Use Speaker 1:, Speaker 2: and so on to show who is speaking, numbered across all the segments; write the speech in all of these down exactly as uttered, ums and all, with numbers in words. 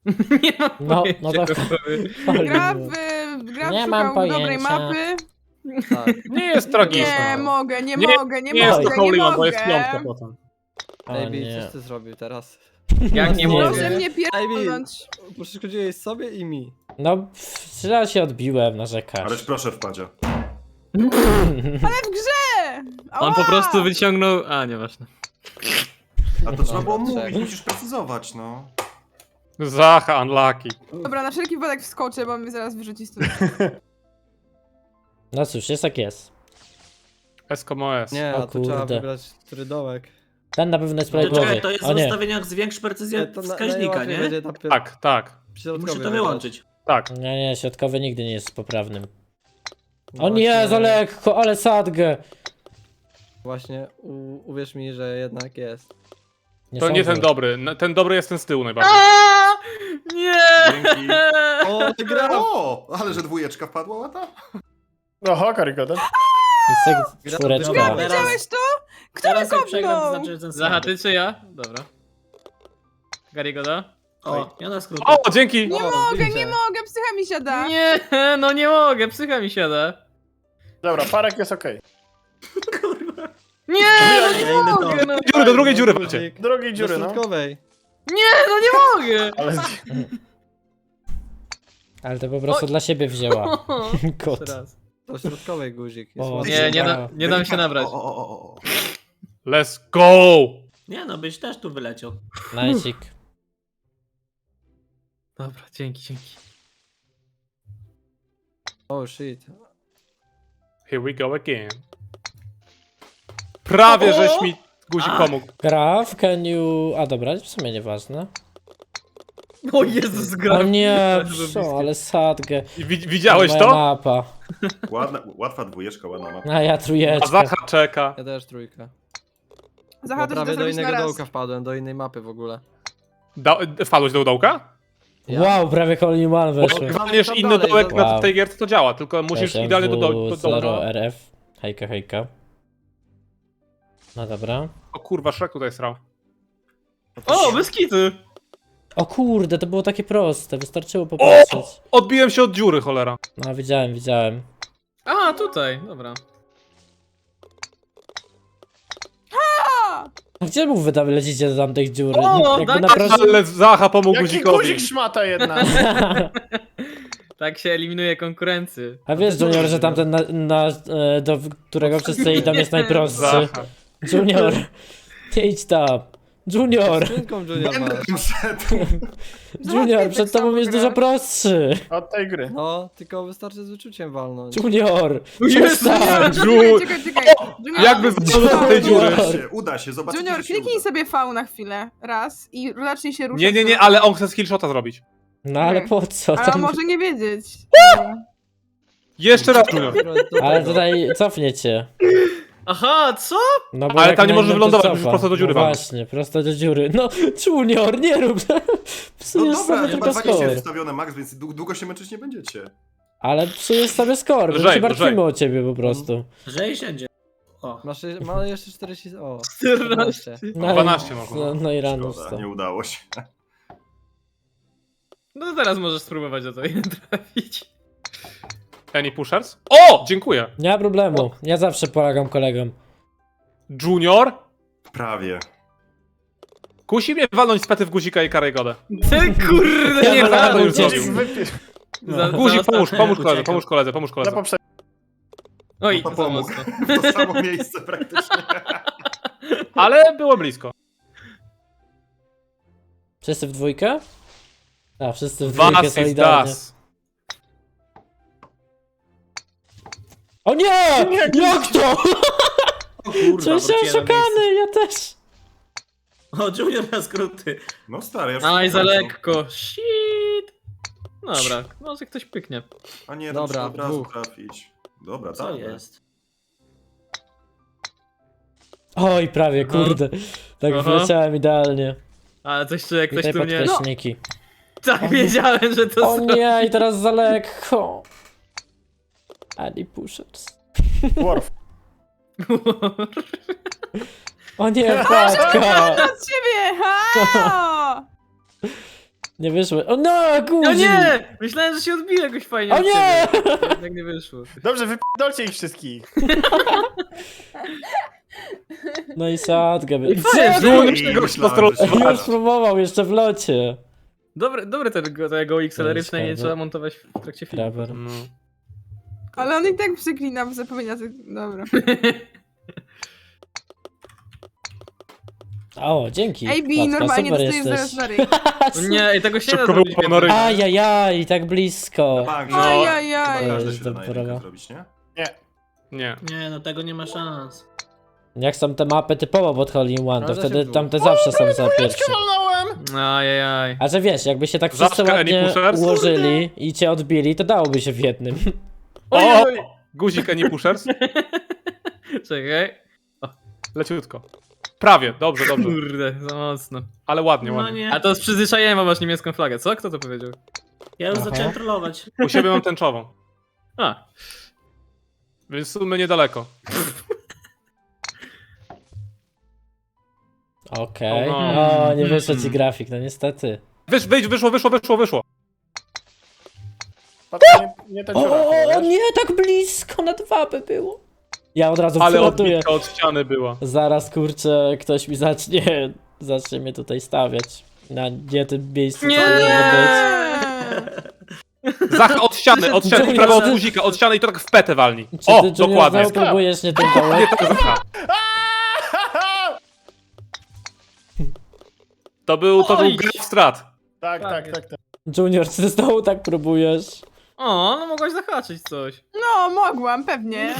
Speaker 1: Nie mam
Speaker 2: No,
Speaker 1: pojęcia,
Speaker 2: no to-
Speaker 1: co robię.
Speaker 3: Gra w, gra
Speaker 2: Nie
Speaker 3: w
Speaker 2: mam
Speaker 3: szukał dobrej
Speaker 2: pojęcia.
Speaker 3: mapy.
Speaker 4: Tak.
Speaker 5: Nie jest tragiczne.
Speaker 3: Nie mogę, nie,
Speaker 5: Nie-
Speaker 3: mogę, nie,
Speaker 5: Nie jest to
Speaker 3: mogę, nie
Speaker 5: Holy One,
Speaker 3: mogę.
Speaker 5: bo jest piątka potem.
Speaker 2: O
Speaker 4: Ejbi,
Speaker 2: nie.
Speaker 4: coś ty zrobił teraz?
Speaker 1: Jak nie
Speaker 2: Nie
Speaker 1: mogę?
Speaker 3: Proszę mnie
Speaker 4: Ejbi,
Speaker 3: pierdolnąć.
Speaker 4: przeszkodziłeś sobie i mi.
Speaker 2: No, pff, raz się odbiłem, narzekasz.
Speaker 6: Ależ proszę wpadzie.
Speaker 3: Ale w grze!
Speaker 1: On
Speaker 3: Ała!
Speaker 1: po prostu wyciągnął... A, nieważne.
Speaker 6: A to trzeba było
Speaker 4: Dobra,
Speaker 6: mówić,
Speaker 4: trzech.
Speaker 6: musisz precyzować, no.
Speaker 5: Zacha, unlucky.
Speaker 3: Dobra, na wszelki wypadek wskoczę, bo mnie zaraz wyrzuci stąd.
Speaker 2: No cóż, jest jak jest.
Speaker 5: S como S.
Speaker 4: Nie,
Speaker 2: O
Speaker 4: a tu trzeba
Speaker 2: kurde.
Speaker 4: wybrać który dołek.
Speaker 2: Ten na pewno jest
Speaker 7: To
Speaker 2: prawidłowy.
Speaker 7: czekaj, to jest
Speaker 2: O
Speaker 7: w
Speaker 2: nie.
Speaker 7: ustawieniach zwiększ precyzję
Speaker 4: To na-
Speaker 7: wskaźnika,
Speaker 4: najłatwiej
Speaker 7: nie?
Speaker 4: będzie na pier-
Speaker 5: Tak, tak,
Speaker 4: środkowy
Speaker 7: Muszę to
Speaker 4: wybrać.
Speaker 7: wyłączyć.
Speaker 5: tak.
Speaker 2: Nie, nie, środkowy nigdy nie jest poprawnym.
Speaker 4: No
Speaker 2: O nie,
Speaker 4: właśnie-
Speaker 2: za lekko, ale sadgę.
Speaker 4: Właśnie, u, uwierz mi, że jednak jest.
Speaker 5: To nie
Speaker 2: sądzę.
Speaker 5: ten dobry. N- Ten dobry jest ten z tyłu najbardziej.
Speaker 1: A! Nie!
Speaker 6: Dzięki.
Speaker 4: O, ty gra!
Speaker 6: O, ale że dwójeczka wpadła łata?
Speaker 5: Oho, karygoda.
Speaker 2: Jest tak
Speaker 4: Gra-
Speaker 2: czwóreczka.
Speaker 7: Dobra,
Speaker 3: Widziałeś to? Kto
Speaker 7: Teraz
Speaker 3: mnie
Speaker 7: jak przegram, to
Speaker 3: kopnął?
Speaker 7: znaczy, że ten
Speaker 1: Zaha, ty czy ja? Dobra. Garygoda?
Speaker 7: O, ja na skróty.
Speaker 5: O, dzięki!
Speaker 3: Nie
Speaker 4: O,
Speaker 3: mogę,
Speaker 4: widzicie.
Speaker 3: nie mogę, psycha mi siada.
Speaker 1: Nie, no nie mogę, psycha mi siada.
Speaker 5: Dobra, parek jest okej.
Speaker 1: Nie, no nie
Speaker 7: Ja idę
Speaker 1: mogę,
Speaker 7: to.
Speaker 1: no.
Speaker 5: Dziury, do drugiej dziury walcie.
Speaker 4: Guzik.
Speaker 5: Drugiej
Speaker 4: Do
Speaker 5: dziury, no.
Speaker 4: środkowej.
Speaker 1: Nie, no nie mogę.
Speaker 5: Ale...
Speaker 2: Ale to po prostu
Speaker 1: Oj.
Speaker 2: dla siebie wzięła. Kot.
Speaker 1: Jeszcze raz.
Speaker 4: Do środkowej guzik. Jest
Speaker 2: O,
Speaker 4: ładny.
Speaker 1: Nie, nie, da, nie dam się nabrać.
Speaker 6: O, o, o, o, o.
Speaker 5: Let's go!
Speaker 7: Nie no, byś też tu wyleciał.
Speaker 2: Najcik.
Speaker 1: Dobra, dzięki, dzięki.
Speaker 4: Oh shit.
Speaker 5: Here we go again. Prawie żeś mi guzik
Speaker 7: A.
Speaker 5: pomógł.
Speaker 2: Graf, can you... A dobra, w sumie nieważne.
Speaker 1: O Jezus, gra.
Speaker 2: O nie,
Speaker 1: Bardzo
Speaker 2: pszo,
Speaker 1: bliskie.
Speaker 2: ale sadgę.
Speaker 5: I wi- Widziałeś
Speaker 2: Moja
Speaker 5: to?
Speaker 2: mapa.
Speaker 6: Ładna, łatwa dwójeczka, ładna mapa.
Speaker 2: A ja
Speaker 5: A
Speaker 2: trójeczka.
Speaker 5: Zacha czeka.
Speaker 4: Ja też trójkę.
Speaker 3: Zacha,
Speaker 4: Bo
Speaker 3: to
Speaker 4: prawie do
Speaker 3: zrobić na
Speaker 4: innego
Speaker 3: raz.
Speaker 4: dołka wpadłem, do innej mapy w ogóle.
Speaker 5: Da wpadłeś do dołka?
Speaker 2: Wow, prawie Holy One
Speaker 5: Bo
Speaker 2: weszło.
Speaker 5: jak walniesz
Speaker 4: tam
Speaker 5: inny
Speaker 4: dalej,
Speaker 5: dołek
Speaker 4: za-
Speaker 5: na
Speaker 2: Wow.
Speaker 5: tej gierce, to działa, tylko musisz idealnie do, do, do
Speaker 2: zero
Speaker 5: dołka.
Speaker 2: R F. Hejka, hejka. No dobra.
Speaker 5: O kurwa, Shrek tutaj srał.
Speaker 1: O, bez kitu.
Speaker 2: O kurde, to było takie proste, wystarczyło popatrzeć.
Speaker 5: Odbiłem się od dziury, cholera.
Speaker 2: No widziałem, widziałem.
Speaker 1: A, tutaj, dobra.
Speaker 2: A gdzie mu wy tam lecicie do tamtej dziury?
Speaker 1: O,
Speaker 2: Jakby
Speaker 1: daj-
Speaker 2: na proszę...
Speaker 5: Ale Zacha pomógł
Speaker 8: Jaki
Speaker 5: guzikowi.
Speaker 8: guzik szmata jedna.
Speaker 1: Tak się eliminuje konkurency.
Speaker 2: A wiesz, Junior, że tamten, na, na, e, do którego wszyscy idą jest najprostszy.
Speaker 5: Zacha.
Speaker 2: Junior, nie idź tam. Junior,
Speaker 4: Skrzynką Junior
Speaker 6: Będę
Speaker 4: masz.
Speaker 6: tam szedł.
Speaker 2: Junior, przed tobą jest dużo prostszy.
Speaker 8: Od tej gry.
Speaker 4: No, tylko wystarczy z wyczuciem walnąć.
Speaker 2: Junior,
Speaker 1: Jezu,
Speaker 2: przestań.
Speaker 5: Ju-
Speaker 3: Czekaj, czekaj, czekaj. Junior,
Speaker 5: Jakby zdążył do tej dziury.
Speaker 6: Uda się, uda się, zobaczycie,
Speaker 3: Junior,
Speaker 6: że się
Speaker 3: kliknij
Speaker 6: uda.
Speaker 3: sobie V na chwilę, raz i zacznie się ruszać.
Speaker 5: Nie, nie, nie, ale on chce skillshota zrobić.
Speaker 2: No ale po co?
Speaker 3: Ale on
Speaker 2: Tam...
Speaker 3: może nie wiedzieć.
Speaker 5: Jeszcze raz, Junior.
Speaker 2: Ale tutaj cofnie cię.
Speaker 1: Aha, co?
Speaker 2: No bo
Speaker 5: Ale
Speaker 2: jak
Speaker 5: tam nie
Speaker 2: na
Speaker 5: możesz
Speaker 2: innym, to
Speaker 5: wylądować,
Speaker 2: cofa.
Speaker 5: musisz prosto do dziury
Speaker 2: No
Speaker 5: walnąć.
Speaker 2: właśnie, prosto do dziury. No, Junior, nie rób.
Speaker 6: No
Speaker 2: Psujesz
Speaker 6: dobra,
Speaker 2: sobie
Speaker 6: chyba
Speaker 2: tylko
Speaker 6: dwadzieścia jest
Speaker 2: skor.
Speaker 6: ustawione max, więc dłu- długo się męczyć nie będziecie.
Speaker 2: Ale psujesz sobie skor, bo
Speaker 5: Lżej,
Speaker 2: się martwimy
Speaker 5: lżej.
Speaker 2: o ciebie po prostu.
Speaker 7: Że i siędzie. O.
Speaker 4: Masz, je- ma jeszcze czterdzieści... O,
Speaker 1: czternaście.
Speaker 2: No, i-
Speaker 5: dwanaście można.
Speaker 2: No, no i rano
Speaker 6: Szkoda,
Speaker 2: wstał.
Speaker 6: nie udało się.
Speaker 1: No to teraz możesz spróbować do tej trafić.
Speaker 5: Any pushers? O! Dziękuję.
Speaker 2: Nie ma problemu, ja zawsze pomagam kolegom.
Speaker 5: Junior?
Speaker 6: Prawie.
Speaker 5: Kusi mnie walnąć z pety w guzika i karygodę.
Speaker 1: Ty kurde, nie
Speaker 5: Ja
Speaker 1: ma.
Speaker 5: to już
Speaker 8: Guzik
Speaker 5: zrobił.
Speaker 8: wypił.
Speaker 1: Za-
Speaker 5: Guzik,
Speaker 1: za
Speaker 5: pomóż,
Speaker 1: ostatnie.
Speaker 5: pomóż koledze,
Speaker 7: Uciekam.
Speaker 5: pomóż koledze, pomóż
Speaker 8: Za
Speaker 5: koledze.
Speaker 8: poprzednie.
Speaker 1: Oj,
Speaker 6: To
Speaker 1: za
Speaker 6: pomógł.
Speaker 1: mocno.
Speaker 6: W to samo miejsce praktycznie.
Speaker 5: Ale było blisko.
Speaker 2: Wszyscy w dwójkę? A, wszyscy w dwójkę
Speaker 5: Was is
Speaker 2: solidarnie.
Speaker 5: das.
Speaker 2: O nie! Jak to?
Speaker 7: O kurwa,
Speaker 2: Czuję się
Speaker 7: wróciłem na miejsce.
Speaker 2: oszukany, ja też.
Speaker 7: O, Junior na skróty.
Speaker 6: No stary, ja już...
Speaker 1: Aj, za lekko. Shit. Dobra, może ktoś pyknie.
Speaker 6: A nie,
Speaker 4: Dobra,
Speaker 6: dobra, od razu
Speaker 4: dwóch.
Speaker 6: trafić. Dobra,
Speaker 7: Co
Speaker 6: tak.
Speaker 7: jest?
Speaker 2: Oj, prawie,
Speaker 1: Aha.
Speaker 2: kurde. Tak
Speaker 1: Aha.
Speaker 2: wleciałem idealnie.
Speaker 1: Ale coś tu, jak ktoś
Speaker 2: Tutaj
Speaker 1: tu mnie... No,
Speaker 2: podkreśniki.
Speaker 1: tak wiedziałem, że to
Speaker 2: O
Speaker 1: są...
Speaker 2: nie, i teraz za lekko. Ani pushers.
Speaker 8: Worf.
Speaker 2: O nie, wpadka!
Speaker 3: Od ciebie! Ha!
Speaker 2: Nie wyszło. O no, guzik!
Speaker 1: No nie! Myślałem, że się odbije jakoś fajnie
Speaker 2: O
Speaker 1: od
Speaker 2: nie!
Speaker 1: ciebie. Jednak nie wyszło.
Speaker 8: Dobrze, wypierdolcie ich wszystkich.
Speaker 2: No i sadgę. by-
Speaker 1: I fajnie,
Speaker 2: Co?
Speaker 1: że-
Speaker 6: I
Speaker 5: Już
Speaker 6: myślałem,
Speaker 5: postrol-
Speaker 6: że się-
Speaker 2: Już próbował, jeszcze w locie.
Speaker 1: Dobre, dobre tego, tego X L R przynajmniej nie
Speaker 2: Ciekawe.
Speaker 1: trzeba montować w trakcie filmu.
Speaker 2: Kraber.
Speaker 5: No.
Speaker 3: Ale on i tak przeklina, bo zapomina tych... Dobra.
Speaker 2: O, dzięki.
Speaker 3: A B
Speaker 2: Patka,
Speaker 3: normalnie
Speaker 2: super
Speaker 3: dostajesz zaraz
Speaker 2: jesteś.
Speaker 3: na ryj.
Speaker 1: No nie, i tego się nie da
Speaker 5: Szybko
Speaker 1: zrobić.
Speaker 5: było ponory.
Speaker 2: Ajajaj, tak blisko.
Speaker 6: Bank,
Speaker 5: No.
Speaker 6: no.
Speaker 3: Ajajaj.
Speaker 6: Chyba każdy
Speaker 2: Jest
Speaker 6: się da na
Speaker 2: dobra.
Speaker 6: jedynkę zrobić, nie?
Speaker 8: Nie.
Speaker 5: Nie.
Speaker 7: Nie, no tego nie ma szans.
Speaker 2: Jak są te mapy typowo pod Hole in One, to
Speaker 4: Ale
Speaker 2: wtedy
Speaker 4: się było.
Speaker 2: tamte zawsze są za pierwsze.
Speaker 8: Walnąłem!
Speaker 1: Ajajaj.
Speaker 2: A że wiesz, jakby się tak wszyscy
Speaker 5: Zawsze
Speaker 2: ładnie
Speaker 5: Any Pushers?
Speaker 2: ułożyli i cię odbili, to dałoby się w jednym.
Speaker 5: O! Guzik Any Pushers.
Speaker 1: Czekaj.
Speaker 5: Leciutko. Prawie, dobrze, dobrze.
Speaker 1: Kurde, za mocno.
Speaker 5: Ale ładnie,
Speaker 7: No
Speaker 5: ładnie.
Speaker 7: nie.
Speaker 1: A to z przyzwyczajeniem, bo masz niemiecką flagę, co? Kto to powiedział?
Speaker 7: Ja już
Speaker 2: Aha.
Speaker 7: zacząłem trollować.
Speaker 5: U siebie mam tęczową.
Speaker 1: A,
Speaker 5: Więc w sumie niedaleko.
Speaker 2: Okej.
Speaker 5: O no.
Speaker 2: O, nie wyszedł ci grafik, no niestety.
Speaker 5: Wysz, wyjdź, wyszło, wyszło, wyszło, wyszło.
Speaker 8: Patrz, nie, nie ta
Speaker 2: O,
Speaker 8: dziura,
Speaker 2: o, o,
Speaker 8: wiesz?
Speaker 2: nie, tak blisko, na dwa by było. Ja od razu
Speaker 5: Ale
Speaker 2: przelatuję.
Speaker 5: odbitka od ściany była.
Speaker 2: Zaraz, kurczę, ktoś mi zacznie, zacznie mnie tutaj stawiać. Na nie tym miejscu,
Speaker 1: Nie!
Speaker 2: co powinno być.
Speaker 5: Zacha od ściany, od ściany, prawo od guzika, od ściany i to tak w petę walni.
Speaker 2: Czy
Speaker 5: O,
Speaker 2: ty, Junior,
Speaker 5: dokładnie.
Speaker 2: znowu próbujesz nie tym
Speaker 5: Nie
Speaker 2: dołem?
Speaker 5: to Zacha. To był, to był
Speaker 1: Oj.
Speaker 5: graf strat.
Speaker 8: Tak,
Speaker 1: Tak
Speaker 8: tak,
Speaker 1: jest.
Speaker 8: tak, tak.
Speaker 2: Junior, czy ty znowu tak próbujesz?
Speaker 1: o, no mogłaś zahaczyć coś.
Speaker 3: No, mogłam, pewnie.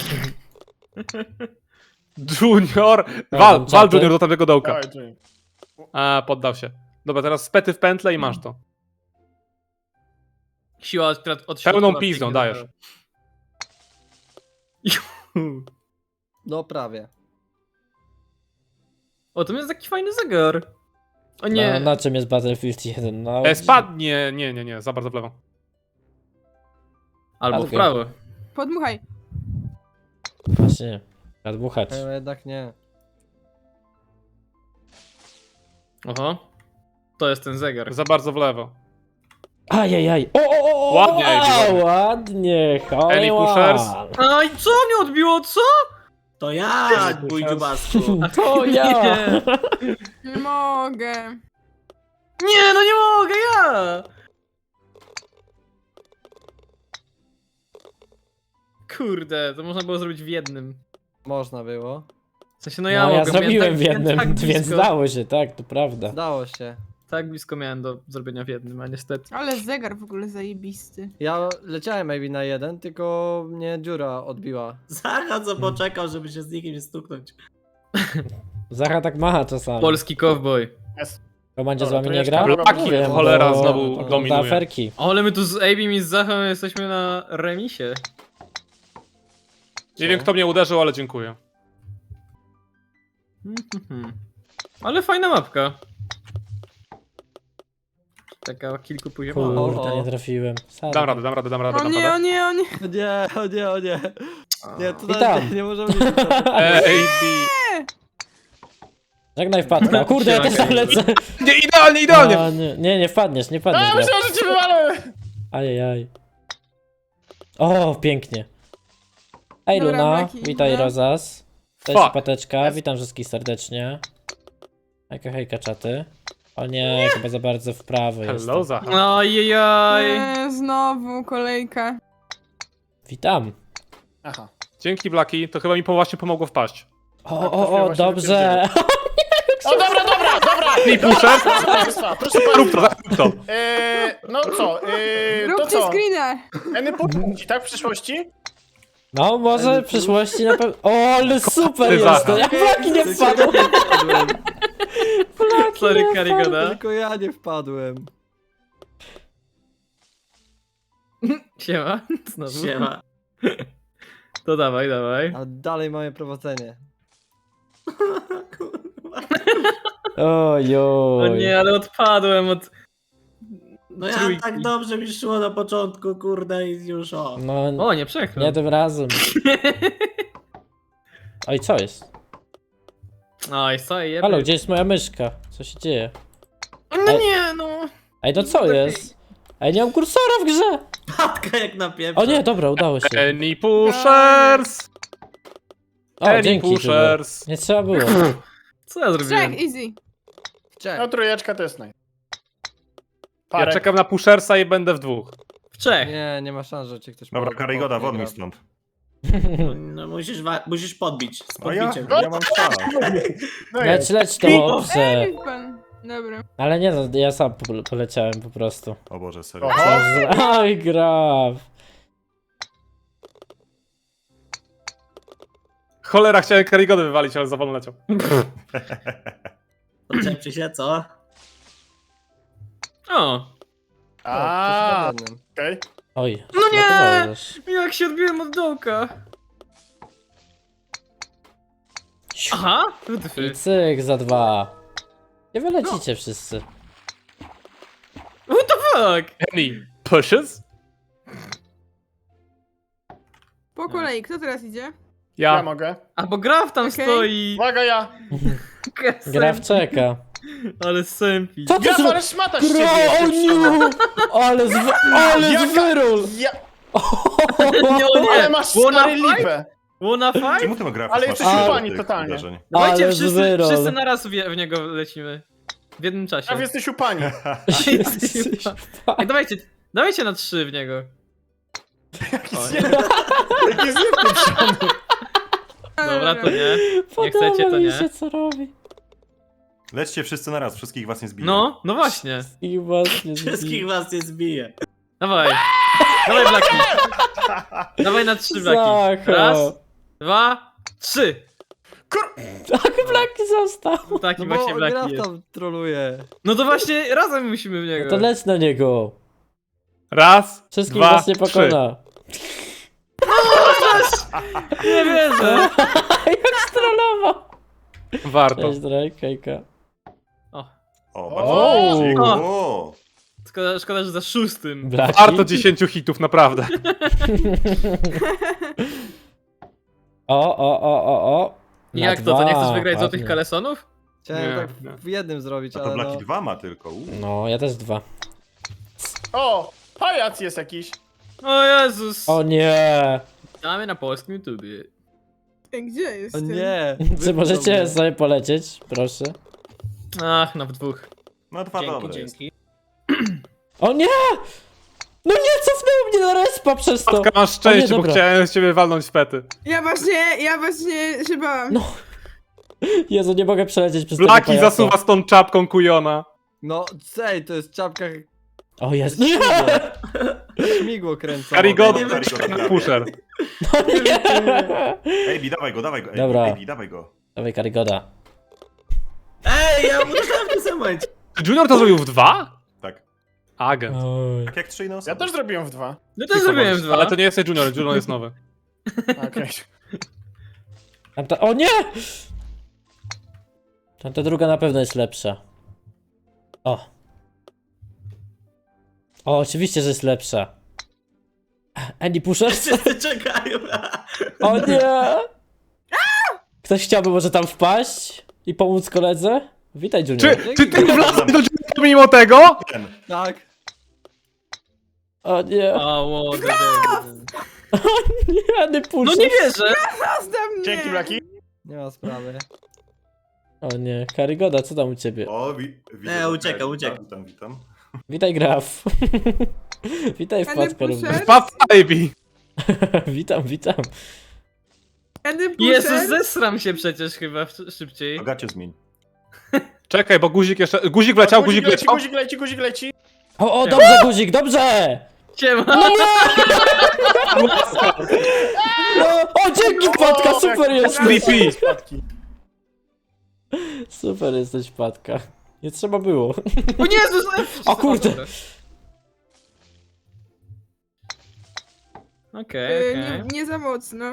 Speaker 5: Junior.
Speaker 2: Ja
Speaker 5: Wal,
Speaker 2: tam
Speaker 5: wal
Speaker 2: czaty.
Speaker 5: Junior do tamtego dołka.
Speaker 8: Dawaj, Junior.
Speaker 5: A, poddał się. Dobra, teraz spety w pętlę i masz to.
Speaker 1: Siła od, od
Speaker 5: Pełną
Speaker 1: środka
Speaker 5: pizdą
Speaker 1: pięknie
Speaker 5: dajesz.
Speaker 1: zabrała.
Speaker 4: No prawie.
Speaker 1: O, to jest taki fajny zegar. O nie.
Speaker 2: No, na czym jest Battlefield jeden? No,
Speaker 5: E, spadnie. Nie, nie, nie, za bardzo w lewo.
Speaker 1: Albo w
Speaker 2: Albo.
Speaker 1: prawo.
Speaker 3: Podmuchaj.
Speaker 2: Właśnie, nadmuchać.
Speaker 4: Ale jednak nie.
Speaker 1: Oho. To jest ten zegar.
Speaker 5: Za bardzo w lewo.
Speaker 2: Ajajaj. O, o, o, o,
Speaker 5: Ładnie,
Speaker 2: o,
Speaker 5: ładnie.
Speaker 2: ładnie. Hole
Speaker 5: Any
Speaker 2: in
Speaker 5: pushers?
Speaker 2: one.
Speaker 1: Aj, co mnie odbiło, co?
Speaker 7: To ja, mój dziubasku.
Speaker 2: To ja.
Speaker 1: Nie.
Speaker 3: Nie mogę.
Speaker 1: Nie, no nie mogę, ja! Kurde, to można było zrobić w jednym.
Speaker 4: Można było.
Speaker 1: W sensie, no
Speaker 2: No
Speaker 1: ja
Speaker 2: ja,
Speaker 1: mogę, miałem
Speaker 2: zrobiłem
Speaker 1: tak,
Speaker 2: w jednym,
Speaker 1: tak
Speaker 2: więc
Speaker 1: blisko,
Speaker 2: dało się, tak, to prawda.
Speaker 4: Dało się.
Speaker 1: tak blisko miałem do zrobienia w jednym, a niestety.
Speaker 3: Ale zegar w ogóle zajebisty.
Speaker 4: Ja leciałem maybe na jeden, tylko mnie dziura odbiła.
Speaker 7: Zacha co poczekał, żeby się z nikim nie stuknąć.
Speaker 2: Zacha tak macha czasami.
Speaker 1: Polski cowboy.
Speaker 2: Komandzie z
Speaker 8: Dobra,
Speaker 2: wami
Speaker 8: to
Speaker 2: nie
Speaker 8: jeszcze
Speaker 2: gra?
Speaker 8: Blaki,
Speaker 2: No wiem,
Speaker 5: cholera,
Speaker 2: bo
Speaker 5: znowu
Speaker 2: ogląda
Speaker 5: dominuje.
Speaker 2: aferki.
Speaker 1: O, ale my tu z Abim i z Zachą jesteśmy na remisie.
Speaker 5: Nie wiem kto mnie uderzył, ale dziękuję.
Speaker 1: Mhm. Ale fajna mapka. Taka kilkupoziomowa.
Speaker 4: O,
Speaker 2: Kurde,
Speaker 4: o.
Speaker 2: nie trafiłem. Sadek.
Speaker 5: Dam radę, dam radę, dam radę,
Speaker 3: O
Speaker 5: dam
Speaker 3: nie, o
Speaker 5: radę.
Speaker 3: nie, o nie.
Speaker 4: O nie, o nie, o nie. Nie, to
Speaker 2: I tam.
Speaker 4: nie, nie możemy mieć
Speaker 5: Ej,
Speaker 2: Żegnaj wpadka. O kurde, ja też tam lecę.
Speaker 5: nie, idealnie, idealnie!
Speaker 2: A, nie, nie, nie wpadniesz, nie wpadniesz.
Speaker 8: A,
Speaker 2: gra.
Speaker 8: myślałem, że cię wywalę!
Speaker 2: Ajajaj. O, pięknie. Ej
Speaker 3: Dobra,
Speaker 2: Luna,
Speaker 3: Blaki,
Speaker 2: witaj
Speaker 3: idę.
Speaker 2: Rozas. Cześć
Speaker 5: Fuck.
Speaker 2: Pateczka, witam wszystkich serdecznie. Hejka, hejka czaty. O nie, chyba za bardzo w prawo jest.
Speaker 5: Hello, Zacha.
Speaker 1: Ojejaj.
Speaker 3: Nie, znowu kolejka.
Speaker 2: Witam.
Speaker 8: Aha.
Speaker 5: Dzięki Blaki, to chyba mi po właśnie pomogło wpaść.
Speaker 2: O,
Speaker 8: Tak,
Speaker 2: o,
Speaker 8: to się
Speaker 2: o,
Speaker 8: właśnie
Speaker 2: dobrze.
Speaker 8: O, dobra, dobra, dobra!
Speaker 5: Ej, puszę?
Speaker 8: Proszę państwa, proszę
Speaker 5: Rób to,
Speaker 8: państwa.
Speaker 5: rób to.
Speaker 8: Eee, no co, eee, to
Speaker 3: Róbcie
Speaker 8: co?
Speaker 3: screena.
Speaker 8: Eny podmuchi, tak, w przyszłości?
Speaker 2: No, może w przyszłości na pewno. O, ale super
Speaker 5: Ty,
Speaker 2: jest
Speaker 5: Zacha.
Speaker 2: to. Jak Blaki nie wpadł. Blaki
Speaker 1: Sorry,
Speaker 2: nie
Speaker 1: Karigoda.
Speaker 4: Tylko ja nie wpadłem.
Speaker 1: Siema. Znowu.
Speaker 7: Siema.
Speaker 1: To dawaj, dawaj.
Speaker 4: A dalej mamy prowadzenie.
Speaker 2: Ojoj.
Speaker 1: O nie, ale odpadłem od...
Speaker 7: No ja
Speaker 1: Trójki.
Speaker 7: tak dobrze mi szło na początku, kurde, i już o.
Speaker 2: No,
Speaker 1: O, nie przechyl.
Speaker 2: nie tym razem. Oj, co jest?
Speaker 1: Oj, co jeby.
Speaker 2: Halo, gdzie jest moja myszka? Co się dzieje?
Speaker 1: No nie, no.
Speaker 2: Ej, no co jest? Ej, nie mam kursora w grze!
Speaker 7: Patka jak na pieprze.
Speaker 2: O nie, dobra, udało się.
Speaker 5: Penny Pushers!
Speaker 2: O,
Speaker 5: Penny
Speaker 2: dzięki, Kuba.
Speaker 5: Pushers!
Speaker 2: Nie trzeba było.
Speaker 1: Co ja zrobiłem?
Speaker 3: Trzech, easy.
Speaker 8: No trójeczka to jest naj.
Speaker 5: Ja
Speaker 8: Parek.
Speaker 5: czekam na Pushersa i będę w dwóch.
Speaker 1: W trzech.
Speaker 4: Nie, nie ma szans, że cię ktoś
Speaker 6: Dobra,
Speaker 4: po-
Speaker 6: Karygoda,
Speaker 4: po-
Speaker 6: won mi
Speaker 4: gra.
Speaker 6: stąd.
Speaker 7: No musisz, wa- musisz podbić. Z
Speaker 6: A ja,
Speaker 7: podbiciem.
Speaker 6: ja mam czas.
Speaker 8: No
Speaker 2: Leć,
Speaker 8: jest.
Speaker 2: leć to,
Speaker 3: Ej,
Speaker 2: dobrze.
Speaker 3: niech pan. Dobra.
Speaker 2: Ale nie no, ja sam po- poleciałem po prostu.
Speaker 6: O Boże, serio.
Speaker 8: Oho.
Speaker 2: Oj, graf.
Speaker 5: Cholera, chciałem Karygodę wywalić, ale za wolno leciał.
Speaker 7: Odczepcie się, co?
Speaker 1: O,
Speaker 8: A,
Speaker 4: O, coś
Speaker 8: okej.
Speaker 2: Oj,
Speaker 1: No nie!
Speaker 2: zblokowałeś.
Speaker 1: jak się odbiłem od dołka.
Speaker 2: Siu.
Speaker 1: Aha,
Speaker 2: I
Speaker 1: wytwy.
Speaker 2: cyk za dwa. Nie wylecicie wszyscy.
Speaker 1: What the fuck?
Speaker 5: Penny Pushes?
Speaker 3: Po kolei, kto teraz idzie?
Speaker 8: Ja
Speaker 5: Ja.
Speaker 8: mogę.
Speaker 1: A bo Graf tam
Speaker 3: Okej.
Speaker 1: stoi.
Speaker 8: Uwaga, ja.
Speaker 2: Graf czeka.
Speaker 1: Ale sępi.
Speaker 2: Co ty
Speaker 8: Ja,
Speaker 2: zro...
Speaker 8: ale szmata z ciebie
Speaker 2: Gra, o
Speaker 8: jesteś.
Speaker 2: nie! Ale z... Ale z
Speaker 8: Jaka-
Speaker 2: wyrol!
Speaker 8: Ja,
Speaker 1: Nie, o
Speaker 8: ale
Speaker 1: nie.
Speaker 8: masz
Speaker 1: Wanna
Speaker 8: stary
Speaker 1: fight?
Speaker 8: lipę.
Speaker 1: Wanna fight?
Speaker 6: Czemu ty grafisz?
Speaker 8: Ale
Speaker 6: masz
Speaker 8: jesteś
Speaker 6: tyle
Speaker 8: upani
Speaker 6: tych
Speaker 8: totalnie.
Speaker 6: uderzeń?
Speaker 1: Dawajcie,
Speaker 2: Ale z
Speaker 1: wszyscy,
Speaker 2: wyrol.
Speaker 1: wszyscy naraz w, w niego lecimy. W jednym czasie.
Speaker 8: Prawie jesteś upani.
Speaker 2: Jesteś
Speaker 1: Ej, dawajcie, dawajcie na trzy w niego. O,
Speaker 8: Jaki jest niepieprzony.
Speaker 1: dobra, to nie.
Speaker 2: Podoba
Speaker 1: chcecie, to
Speaker 2: mi
Speaker 1: nie.
Speaker 2: się, co robi.
Speaker 6: Lećcie wszyscy naraz, wszystkich was nie zbiję.
Speaker 1: No, no właśnie.
Speaker 2: I właśnie
Speaker 7: Wszystkich was nie zbije.
Speaker 1: Dawaj. Dawaj, Blaki. Dawaj na trzy, Blaki.
Speaker 2: Zacho.
Speaker 1: Raz, dwa, trzy.
Speaker 2: Tak, Blaki został.
Speaker 1: Taki
Speaker 4: No
Speaker 1: właśnie
Speaker 4: bo
Speaker 1: Blaki
Speaker 4: Graf
Speaker 1: jest.
Speaker 4: tam troluje.
Speaker 1: No to właśnie razem musimy w niego.
Speaker 2: No to leć na niego.
Speaker 5: Raz,
Speaker 2: Wszystkich
Speaker 5: dwa,
Speaker 2: was nie
Speaker 5: trzy.
Speaker 2: pokona.
Speaker 1: Nie wierzę.
Speaker 2: Jak strollował.
Speaker 5: Warto.
Speaker 2: Cześć, Drake, hejka.
Speaker 1: O,
Speaker 6: O,
Speaker 8: O!
Speaker 6: bardzo dziękuję.
Speaker 1: O!
Speaker 6: O!
Speaker 1: szkoda, szkoda, że za szóstym.
Speaker 2: Blaki.
Speaker 5: Warto dziesięciu hitów, naprawdę.
Speaker 2: O, o, o, o, o.
Speaker 1: I
Speaker 2: Na
Speaker 1: jak to, to nie chcesz
Speaker 2: dwa,
Speaker 1: wygrać złotych
Speaker 2: ładnie.
Speaker 1: kalesonów?
Speaker 4: Chciałem
Speaker 5: Nie,
Speaker 4: tak
Speaker 5: nie.
Speaker 4: w jednym zrobić,
Speaker 6: A to
Speaker 4: ale
Speaker 6: Blaki
Speaker 4: no...
Speaker 6: dwa ma tylko. U.
Speaker 2: No, ja też dwa.
Speaker 8: O, pajac jest jakiś.
Speaker 1: O Jezus.
Speaker 2: O nie.
Speaker 1: Damy na polskim YouTubie.
Speaker 3: Ej, gdzie jest?
Speaker 4: O
Speaker 3: ten?
Speaker 4: nie!
Speaker 2: Czy
Speaker 4: wypchnął
Speaker 2: możecie
Speaker 4: mnie.
Speaker 2: sobie polecieć, proszę?
Speaker 1: Ach, no w dwóch.
Speaker 6: No dwa
Speaker 1: Dzięki,
Speaker 6: dobre. jest.
Speaker 1: dzięki.
Speaker 2: O nie! No nie, cofnęło mnie na respa przez to!
Speaker 5: Matka, masz
Speaker 2: O
Speaker 5: szczęście,
Speaker 2: nie,
Speaker 5: bo
Speaker 2: dobra.
Speaker 5: chciałem z ciebie walnąć w pety.
Speaker 3: Ja właśnie, ja właśnie się bałam.
Speaker 2: No. Jezu, nie mogę przelecieć przez tego
Speaker 5: Blaki
Speaker 2: pajaca.
Speaker 5: zasuwa z tą czapką kujona.
Speaker 4: No, cej, to jest czapka...
Speaker 2: O jest.
Speaker 4: Śmigło. Śmigło kręcą.
Speaker 5: Karygoda,
Speaker 6: nie wiem, czy-
Speaker 5: pusher.
Speaker 2: Nie.
Speaker 6: Ejbi, dawaj go, dawaj go. Ejbi,
Speaker 2: Dobra.
Speaker 6: Ejbi, dawaj go.
Speaker 2: Dawaj, Karygoda.
Speaker 7: Ej, ja uderzyłem w tym samym momencie.
Speaker 5: Czy Junior to zrobił w dwa?
Speaker 6: Tak.
Speaker 5: Agent.
Speaker 2: Oj.
Speaker 6: Tak jak trzy inne osoby.
Speaker 8: Ja też zrobiłem w dwa.
Speaker 1: No to zrobiłem dwa.
Speaker 5: Ale to nie jesteś Junior, Junior jest nowy.
Speaker 8: Okej.
Speaker 2: Tamta... O nie! Tamta druga na pewno jest lepsza. O. O, oczywiście, że jest lepsza. Andy Pushers?
Speaker 7: Wszyscy czekają.
Speaker 2: O nie! Ktoś chciałby może tam wpaść i pomóc koledze? Witaj, Junior.
Speaker 5: Czy, czy ty wlazłeś do Junior mimo tego?
Speaker 6: Ten.
Speaker 4: Tak.
Speaker 2: O nie!
Speaker 1: O, łody,
Speaker 2: Nie, Andy
Speaker 1: No
Speaker 2: Pushers.
Speaker 1: nie wierzę.
Speaker 3: Zostaw mnie!
Speaker 8: Dzięki, Blaki.
Speaker 4: Nie ma sprawy.
Speaker 2: O nie, Karygoda, co tam u ciebie?
Speaker 6: O, wi widzę,
Speaker 7: Nie,
Speaker 6: że-
Speaker 7: ucieka,
Speaker 6: witam,
Speaker 7: ucieka.
Speaker 6: Witam, witam.
Speaker 2: Witaj, Graf. Witaj,
Speaker 3: Andy
Speaker 2: wpadka
Speaker 3: Pushers?
Speaker 2: również.
Speaker 5: Wpadł baby.
Speaker 2: Witam, witam.
Speaker 3: Andy Pusher?
Speaker 1: Jezus, zesram się przecież chyba w- szybciej.
Speaker 6: To gacie zmień.
Speaker 5: Czekaj, bo guzik jeszcze... Guzik wleciał, guzik
Speaker 8: leci,
Speaker 5: leciał.
Speaker 8: guzik leci, guzik leci.
Speaker 2: O, o, dobrze, guzik, dobrze!
Speaker 1: Siema.
Speaker 2: No, o, dzięki, wpadka,
Speaker 8: O,
Speaker 2: super
Speaker 8: jak-
Speaker 2: jesteś.
Speaker 5: Creepy.
Speaker 8: Spadki.
Speaker 2: Super jesteś, wpadka. Nie trzeba było.
Speaker 1: O Jezus.
Speaker 2: O kurde.
Speaker 1: Dobra. Okej,
Speaker 3: Y,
Speaker 1: okej.
Speaker 3: nie, nie za mocno.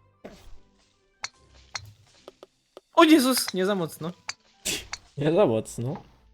Speaker 1: O Jezus, nie za mocno.
Speaker 2: Nie za mocno.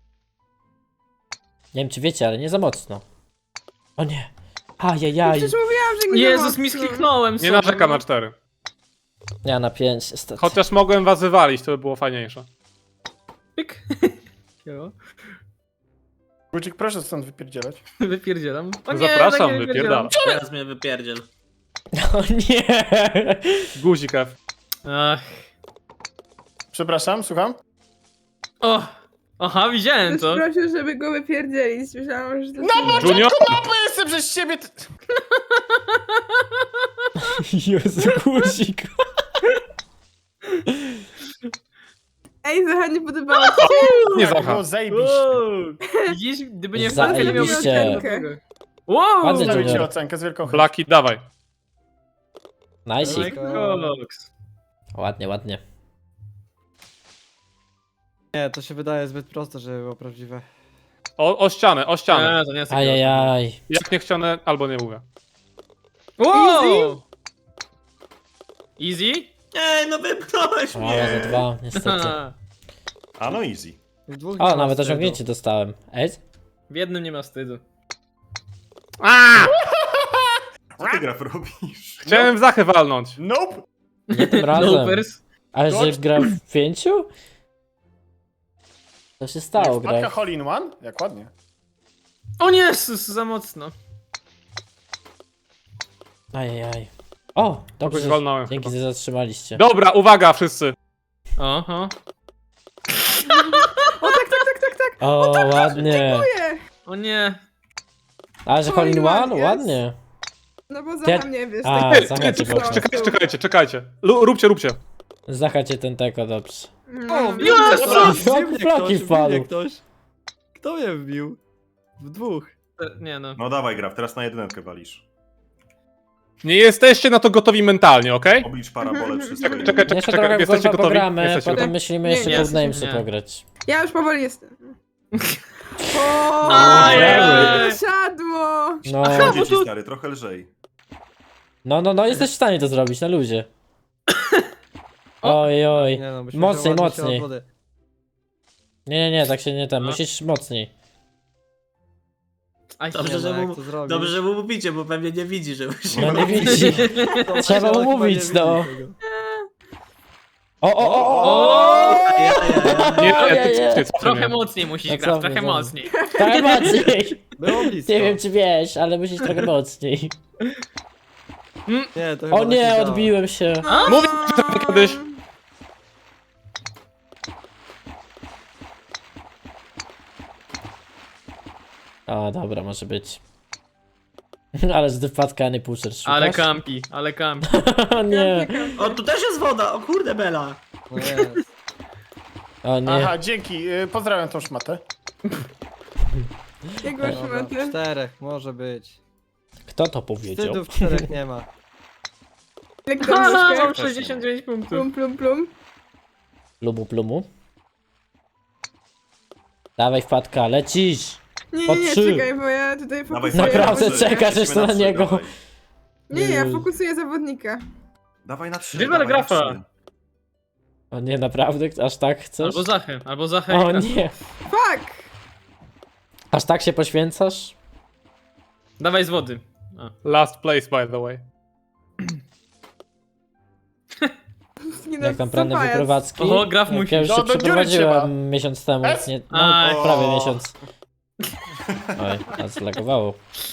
Speaker 2: Nie wiem, czy wiecie, ale nie za mocno. O nie. Ajajaj.
Speaker 3: Przecież mówiłam, że nie za
Speaker 1: Jezus,
Speaker 3: mocno.
Speaker 1: mi skliknąłem
Speaker 5: Nie
Speaker 1: sobie,
Speaker 5: narzekam
Speaker 1: no.
Speaker 5: na cztery.
Speaker 2: Ja na pięć, niestety.
Speaker 5: Chociaż mogłem was wywalić, to by było fajniejsze.
Speaker 1: Pyk. Jo.
Speaker 8: Guzik, proszę stąd wypierdzielać.
Speaker 1: Wypierdzielam. O nie,
Speaker 5: Zapraszam,
Speaker 1: tak nie
Speaker 5: wypierdalam.
Speaker 7: Teraz mnie wypierdziel.
Speaker 2: O nie!
Speaker 5: Guzik F.
Speaker 1: Ach.
Speaker 8: Przepraszam, słucham?
Speaker 1: O! Aha, widziałem
Speaker 3: Ktoś
Speaker 1: to.
Speaker 3: prosił, żeby go wypierdzielić. Myślałam, że to...
Speaker 8: No bo
Speaker 5: Junior?
Speaker 8: mapy jestem przez ciebie! t-
Speaker 2: Jezu, guzik.
Speaker 3: Ej, Zacha, nie podobało ci się?
Speaker 5: Nie
Speaker 8: Jak
Speaker 5: Zacha.
Speaker 8: było zajebiście.
Speaker 1: Wow. Widzisz, gdyby nie wpadł, to nie miałby
Speaker 2: Zajebiście.
Speaker 1: tego. Wow!
Speaker 2: Ładny
Speaker 8: Stawię ci
Speaker 2: Junior.
Speaker 8: ocenkę z wielką chęcią.
Speaker 5: Blaki, dawaj.
Speaker 2: Najsik.
Speaker 1: Koks.
Speaker 2: Ładnie, ładnie.
Speaker 4: Nie, to się wydaje zbyt proste, żeby było prawdziwe.
Speaker 5: O, o ścianę, o ścianę.
Speaker 1: Nie, to nie jest takie
Speaker 2: Ajajaj.
Speaker 5: Jak nie chciane, albo nie mówię.
Speaker 1: Wow! Easy?
Speaker 7: Ej, no wypchnąłeś
Speaker 2: Ale
Speaker 7: mnie!
Speaker 2: za dwa, niestety.
Speaker 6: A no easy.
Speaker 4: W dwóch nie
Speaker 2: O,
Speaker 4: ma
Speaker 2: nawet
Speaker 4: wstydu.
Speaker 2: osiągnięcie dostałem. Ej?
Speaker 1: W jednym nie ma wstydu.
Speaker 6: Co ty Graf robisz?
Speaker 5: Chciałem w Zachę walnąć.
Speaker 8: Nope!
Speaker 2: Nie tym razem.
Speaker 1: Loopers.
Speaker 2: Ale że
Speaker 8: Dodge.
Speaker 2: gra w pięciu? Co się stało,
Speaker 8: Wpadka
Speaker 2: gra?
Speaker 8: hole in one? Jak ładnie.
Speaker 1: O nie, sus, za mocno.
Speaker 2: Ajajaj. O, dobrze.
Speaker 5: Kogoś walnąłem
Speaker 2: Dzięki,
Speaker 5: chyba.
Speaker 2: że zatrzymaliście.
Speaker 5: Dobra, uwaga wszyscy.
Speaker 1: Oho.
Speaker 3: O, tak, tak, tak, tak, tak.
Speaker 2: O, ładnie.
Speaker 3: Dziękuję.
Speaker 1: O nie.
Speaker 2: Ale że Colin
Speaker 3: Colin
Speaker 2: One?
Speaker 3: One, yes.
Speaker 2: Ładnie.
Speaker 3: No bo
Speaker 2: Ty-
Speaker 3: Zacha nie wiesz.
Speaker 2: A,
Speaker 3: tak
Speaker 2: Zacha
Speaker 3: jak
Speaker 2: cię
Speaker 3: pisałam.
Speaker 2: poprzez.
Speaker 5: Czekajcie, czekajcie, czekajcie. Lu- Róbcie, róbcie.
Speaker 2: Zachacie ten teko, dobrze.
Speaker 3: No.
Speaker 4: wbił mnie
Speaker 1: Jezus!
Speaker 4: ktoś, wbił
Speaker 2: Jak
Speaker 4: mnie
Speaker 2: flaki
Speaker 4: ktoś, wbił
Speaker 2: wpadł.
Speaker 4: mnie ktoś. Kto mnie wbił? W dwóch.
Speaker 1: E, Nie no.
Speaker 6: No dawaj Graf, teraz na jedynkę walisz.
Speaker 5: Nie jesteście na to gotowi mentalnie, okej?
Speaker 6: Oblicz parabolę wszystko.
Speaker 5: Czekaj, czekaj,
Speaker 2: Jeszcze
Speaker 5: czekaj,
Speaker 2: trochę w
Speaker 5: jesteście
Speaker 2: golfa
Speaker 5: gotowi?
Speaker 2: pogramy,
Speaker 5: Jesteście
Speaker 2: potem
Speaker 5: gotowi?
Speaker 2: myślimy
Speaker 3: Nie,
Speaker 2: jeszcze
Speaker 1: nie,
Speaker 2: Codenamesy
Speaker 1: nie.
Speaker 2: pograć.
Speaker 3: Ja już powoli jestem. O,
Speaker 1: Ajaj.
Speaker 3: siadło.
Speaker 2: No,
Speaker 6: Dzieci stary, trochę lżej.
Speaker 2: no, no, no, jesteś w stanie to zrobić, na luzie. Oj, oj.
Speaker 4: Nie no, byśmy
Speaker 2: Mocniej,
Speaker 4: się ładnie się
Speaker 2: mocniej.
Speaker 4: od wody.
Speaker 2: Nie, nie, nie, tak się nie tam,
Speaker 1: No.
Speaker 2: musisz mocniej.
Speaker 1: Aj,
Speaker 7: Dobrze,
Speaker 4: Nie
Speaker 7: że
Speaker 4: no, jak
Speaker 7: mu,
Speaker 4: to zrobić?
Speaker 7: dobrze, że mu mówicie, bo pewnie nie widzi, że musi.
Speaker 2: No nie widzi.
Speaker 4: To
Speaker 2: Trzeba
Speaker 4: chyba
Speaker 2: mu
Speaker 4: nie
Speaker 2: mówić,
Speaker 4: widzi
Speaker 2: no.
Speaker 4: tego.
Speaker 2: O, o, o, o,
Speaker 1: O!
Speaker 2: o!
Speaker 7: Ja, ja, ja.
Speaker 5: Nie, nie,
Speaker 2: Ojej.
Speaker 5: ty, ty, ty,
Speaker 1: Trochę mocniej musisz
Speaker 2: No
Speaker 1: grać,
Speaker 2: co
Speaker 1: trochę
Speaker 2: wy, co wy.
Speaker 1: mocniej.
Speaker 2: Trochę mocniej.
Speaker 4: Było blisko.
Speaker 2: Nie wiem, czy wiesz, ale musisz trochę mocniej.
Speaker 4: Nie, to chyba
Speaker 2: O
Speaker 4: tak
Speaker 2: nie,
Speaker 4: działa.
Speaker 2: odbiłem się.
Speaker 5: Mówię ci to kiedyś.
Speaker 2: O, dobra, może być. Ale z wypadka, a nie pusher szukasz?
Speaker 1: Ale kampi, ale kampi.
Speaker 2: O nie,
Speaker 7: O, tu też jest woda! O kurde, Bela!
Speaker 4: No jest.
Speaker 2: o nie.
Speaker 8: Aha, dzięki. y, Pozdrawiam tą szmatę.
Speaker 3: Jak masz
Speaker 4: Dobra,
Speaker 3: maty?
Speaker 4: czterech, może być.
Speaker 2: Kto to powiedział?
Speaker 4: Wstydów czterech nie ma.
Speaker 3: Jak
Speaker 1: Haha,
Speaker 3: dobrze.
Speaker 1: mam sześćdziesiąt dziewięć punktów.
Speaker 3: Plum, plum, plum.
Speaker 2: Plumu, plumu. Dawaj wpadka, lecisz!
Speaker 3: Nie,
Speaker 2: Po
Speaker 3: nie, nie,
Speaker 2: trzy.
Speaker 3: czekaj, bo ja tutaj
Speaker 6: Dawaj,
Speaker 3: fokusuję.
Speaker 2: Naprawdę,
Speaker 6: na trzy.
Speaker 2: czekasz
Speaker 6: Lecimy
Speaker 2: jeszcze na
Speaker 6: trzy,
Speaker 2: niego.
Speaker 6: Dawaj,
Speaker 3: Nie, ja fokusuję zawodnika.
Speaker 6: dawaj na trzy.
Speaker 1: Wywal
Speaker 6: dawaj na
Speaker 1: Grafa.
Speaker 6: trzy.
Speaker 2: O nie, naprawdę? Aż tak chcesz?
Speaker 1: Albo Zachę, albo Zachę.
Speaker 2: O
Speaker 1: i Grafa.
Speaker 2: nie.
Speaker 3: Fuck!
Speaker 2: Aż tak się poświęcasz?
Speaker 1: Dawaj z wody. A.
Speaker 5: Last place, by the way.
Speaker 3: Nie no,
Speaker 2: Jak tam
Speaker 3: co
Speaker 2: plany
Speaker 3: pajac?
Speaker 2: wyprowadzki?
Speaker 1: Oho, Graf
Speaker 2: Jak
Speaker 1: musi.
Speaker 2: ja już
Speaker 8: No,
Speaker 2: się
Speaker 8: do dziury
Speaker 2: przeprowadziłem
Speaker 8: trzeba.
Speaker 2: miesiąc temu.
Speaker 8: Es?
Speaker 2: Nie, no,
Speaker 1: Aj.
Speaker 2: prawie miesiąc. Oj, a zlagowało.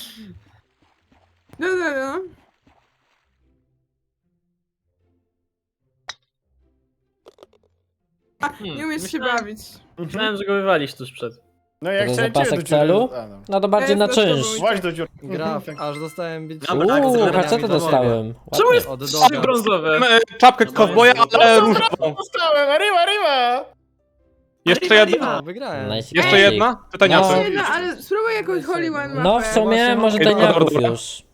Speaker 3: No, no, no. A,
Speaker 1: Hmm,
Speaker 3: nie umiesz się
Speaker 1: myślałem-
Speaker 3: bawić.
Speaker 1: Myślałem, że go wywalisz tuż przed.
Speaker 8: No ja
Speaker 2: To
Speaker 8: chciałem
Speaker 2: zapasek
Speaker 8: ciebie do dziury-
Speaker 2: celu?
Speaker 8: A, no.
Speaker 2: No to bardziej na
Speaker 3: Jest to
Speaker 2: czynsz.
Speaker 3: zdobyć.
Speaker 8: Właź do dziury.
Speaker 4: Graf, aż dostałem bić.
Speaker 7: Dobra, tak,
Speaker 2: Uuu,
Speaker 7: zgarniamy
Speaker 2: co to
Speaker 7: to
Speaker 2: dostałem?
Speaker 1: Czemu
Speaker 2: Ładnie.
Speaker 1: jest
Speaker 4: Od
Speaker 1: trzy
Speaker 4: doga.
Speaker 1: brązowe?
Speaker 5: E, Czapkę kowboja, ale różową.
Speaker 8: Dostałem, arriba, arriba!
Speaker 5: Jeszcze jedna?
Speaker 4: No, wygrałem.
Speaker 2: Nice.
Speaker 5: Jeszcze
Speaker 3: Ej.
Speaker 5: jedna? Pytania
Speaker 2: No.
Speaker 3: Nie, no, ale spróbuj jakąś Holy One mapę.
Speaker 2: No w sumie
Speaker 4: Właśnie
Speaker 2: może
Speaker 5: mam-
Speaker 2: deniaków
Speaker 5: Dobra.
Speaker 2: już.